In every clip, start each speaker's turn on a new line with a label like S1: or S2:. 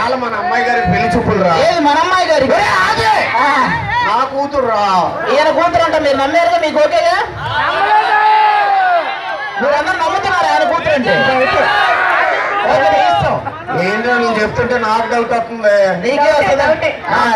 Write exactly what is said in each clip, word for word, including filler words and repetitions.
S1: ఇవాళ మన అమ్మాయి గారి పెళ్లి చూపులు రా.
S2: ఏది మన అమ్మాయి గారి?
S1: నా కూతురు రా.
S2: ఈయన కూతురు అంట, మీరు నమ్మారుగా? మీకు ఓకేగా? మీరందరూ నమ్ముతున్నారు ఆయన కూతురు అంటే?
S1: ఏంటో నేను చెప్తుంటే నాకు డౌట్ వస్తుంది.
S2: నీకే వస్తుంది?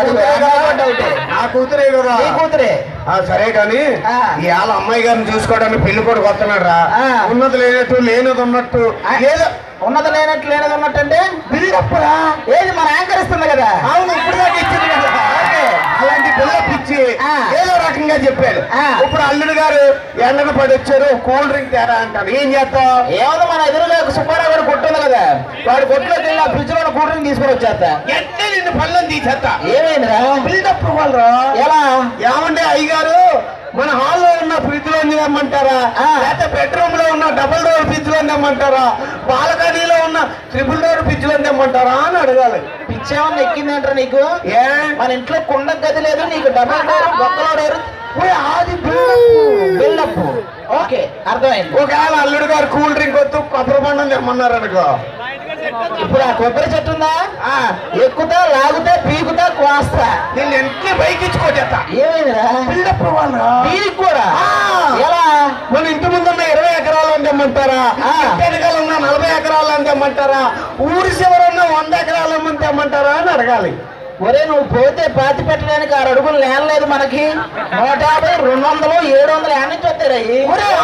S1: నా కూతురే కదా.
S2: నీ కూతురే.
S1: సరే కానీ ఇవాళ అమ్మాయి గారిని చూసుకోవడానికి పెళ్లి కొడుకు వస్తున్నాడు రా. ఉన్నది లేనట్టు లేనది ఉన్నట్టు. ఏదో
S2: ఉన్నది లేనట్టు లేనది ఉన్నట్టు అంటే బిల్డప్ రా. ఏది మన యాంకర్ ఇస్తుంది కదా?
S1: అవును, ఇప్పుడు దాకా ఇచ్చింది కదా. అలాంటి బిల్డప్ ఇచ్చి ఏదో రకంగా చెప్పాడు. ఇప్పుడు అల్లుడు గారు ఎండను పడి వచ్చారు, కూల్ డ్రింక్ తేరా అంటారు. ఏం చేస్తావు?
S2: ఏమన్నా మన ఎదురుగా సుబ్బారావు గారు కొట్టు ఉంది కదా, వాడి కొట్టులోకి వెళ్ళి ఆ ఫ్రిడ్జ్ లో కూల్ డ్రింక్ తీసుకొని వచ్చేస్తా.
S1: ఎట్టే నిన్ను పళ్ళని తీసేస్తా.
S2: ఏమైందిరా?
S1: బిల్డప్ వాళ్ళు
S2: ఎలా?
S1: ఏమంటే అయ్యగారు మన హాల్లో ఉన్న ఫ్రిడ్జ్ లో తెమ్మంటారా, లేకపోతే బెడ్రూమ్ లో ఉన్న డబుల్ డోర్ ఫ్రిడ్జ్ లో తెమ్మంటారా, బాల్కనీలో ఉన్న ట్రిపుల్ డోర్ ఫ్రిడ్జ్ లో తెమ్మంటారా అని అడగాలి.
S2: పిచ్చేమన్నా ఎక్కిందంటారా నీకు?
S1: ఏ
S2: మన ఇంట్లో కుండ గది లేదు, నీకు డబుల్ డోర్ బొక్కలో డోర్.
S1: అది
S2: బిల్డప్. ఓకే, అర్థమైంది.
S1: ఒకవేళ అల్లుడు గారు కూల్ డ్రింక్ వద్దు కొబ్బరి బండం తెమ్మన్నారు అనుకో,
S2: ఇప్పుడు ఆ కొబ్బరి చెట్టు ఉందా, ఎక్కుతా లాగుతా పీకుతా కోస్తా,
S1: నేను ఎంటే బైక్ ఇచ్చుకోచేస్తా.
S2: ఏమైందిరా?
S1: బిల్డప్ వాళ్ళు
S2: దీనికి కూడా ఎలా?
S1: మన ఇంటి ముందు ఉన్న ఇరవై ఎకరాలు అని తెమ్మంటారా, వెనకాల ఉన్న నలభై ఎకరాలు అని తెమ్మంటారా, ఊరి చివర ఉన్న వంద ఎకరాలు అని తెమ్మంటారా అని అడగాలి.
S2: ఒరే నువ్వు పోతే పాతి పెట్టడానికి ఆరు అడుగులు నేలలేదు మనకి. నూట యాభై రెండు వందలు ఏడు వందలు యాడ్ నుంచి వస్తాయి.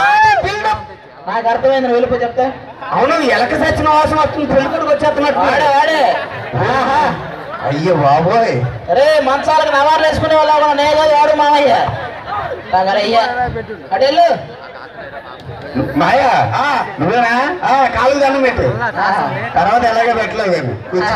S2: నాకు అర్థమైంది, నువ్వు వెళ్ళిపో చెప్తా.
S1: అవును, ఎలక సచిన వాసన వస్తుంది, పెళ్ళికొడుకు వచ్చేస్తున్నట్టు.
S2: వాడే వాడే
S1: అయ్యో బాబోయ్.
S2: రే మంచాలకు నవార్లు వేసుకునే వాళ్ళు నేగా వాడు మామయ్య అయ్యా అటెళ్ళు.
S1: మాయా నువ్వేనా? కాలు దండం పెట్టు, తర్వాత ఎలాగే పెట్టలేదు కానీ.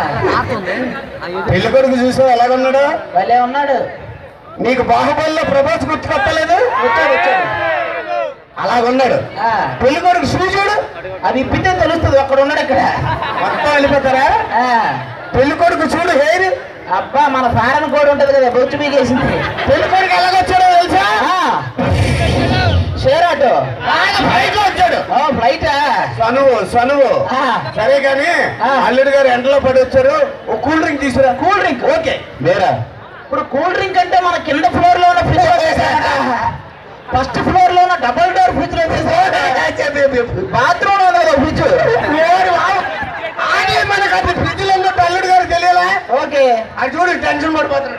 S1: పెళ్లి కొడుకు చూసావు ఎలాగున్నాడు?
S2: భలే ఉన్నాడు.
S1: నీకు బాహుబలిలో ప్రభాస్ గుర్తుకొట్టలేదు?
S2: వచ్చాడు వచ్చాడు
S1: అలాగున్నాడు. పెళ్లి కొడుకు చూసాడు,
S2: అది ఇప్పితే తెలుస్తుంది. అక్కడ ఉన్నాడు, ఇక్కడ
S1: మొత్తం వెళ్ళిపోతారా? పెళ్లి కొడుకు చూడు హెయిర్.
S2: అబ్బా మన ఫారెన్ కోడ్ ఉంటది కదా, బొచ్చు బీగేసింది.
S1: పెళ్లి కొడుకు ఎలాగొచ్చాడో తెలుసా?
S2: షేర్ ఆటో
S1: ఫ్లైట్ లో వచ్చాడు.
S2: ఫ్లైట్
S1: సనువు సనువు. సరే కానీ అల్లుడు గారు ఎండలో పడి వచ్చారు, ఒక కూల్ డ్రింక్ తీసుకురా.
S2: కూల్ డ్రింక్ ఓకే
S1: వేరా.
S2: ఇప్పుడు కూల్ డ్రింక్ అంటే మన కింద ఫ్లోర్ లో ఉన్న ఫ్రిడ్జ్, ఫస్ట్ ఫ్లోర్ లో ఉన్న డబుల్ డోర్ ఫ్రిడ్జ్ లో బాత్రూమ్ లో ఉంది కదా ఫ్రిడ్జ్.
S1: మనకు అది ఫ్రిడ్జ్ లో ఉన్నట్టు అల్లుడు గారు తెలియాలా?
S2: ఓకే
S1: అది చూడు టెన్షన్ పడిపోతున్నాడు.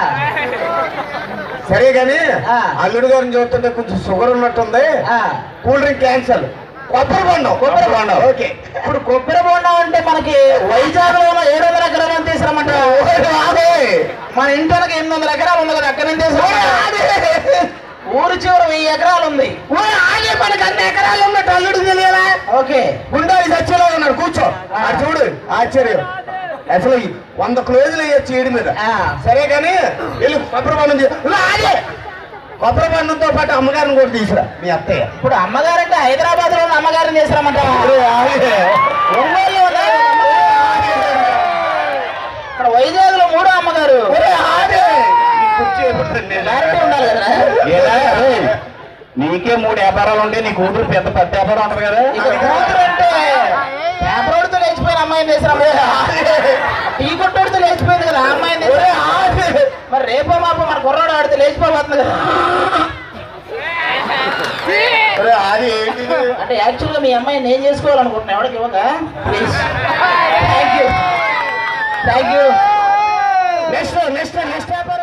S1: సరే కానీ అల్లుడు గారిని చూస్తుంటే కొంచెం షుగర్ ఉన్నట్టుంది, కూల్ డ్రింక్ క్యాన్సల్. కొబ్బరి బొండం. కొబ్బరి బొండం ఓకే.
S2: ఇప్పుడు కొబ్బరి బొండం అంటే మనకి వైజాగ్ లో ఏడు వందల ఎకరాలు తీసుకురమ్మంట. మన ఇంటికి ఎనిమిది వందల ఎకరాలు ఉంది కదా, అక్కడ నుంచి ఊరు చివరి వెయ్యి ఎకరాలు ఉంది.
S1: మనకి అన్ని ఎకరాలు ఉన్నట్టు అల్లుడు తెలియాలా?
S2: ఓకే
S1: గుండాలి సచ్చేలా ఉన్నాడు, కూర్చో. అది చూడు ఆశ్చర్యం. అసలు వంద క్లోజులు వేయచ్చు ఏడు మీద. సరే కానీ వెళ్ళి కొబ్బరి బండం కొబ్బరి బండంతో పాటు అమ్మగారిని కూడా తీసుకురా మీ అత్తయ్య.
S2: ఇప్పుడు అమ్మగారంటే హైదరాబాద్ లో ఉన్న అమ్మగారిని తీసుకురామంట. ఇక్కడ వైజాగ్ లో మూడో అమ్మగారు ఉండాలి కదా.
S1: నీకే మూడు వ్యాపారాలు ఉంటే నీ కూతురు పెద్ద పెద్ద వ్యాపారం ఉంటుంది కదా.
S2: కూతురు అంటే పేపరోడితో లేచిపోయిన అమ్మాయిని తీసుకురా. టీ కొట్టోడితో లేచిపోయింది కదా అమ్మాయిని. మరి రేపో మాపో మన కుర్రాడు ఆడితే లేచిపోతుంది కదా. అంటే యాక్చువల్గా మీ అమ్మాయిని నేను చేసుకోవాలనుకుంటున్నా, ఎవరికి ఇవ్వక please. Thank you thank you.
S1: Next next next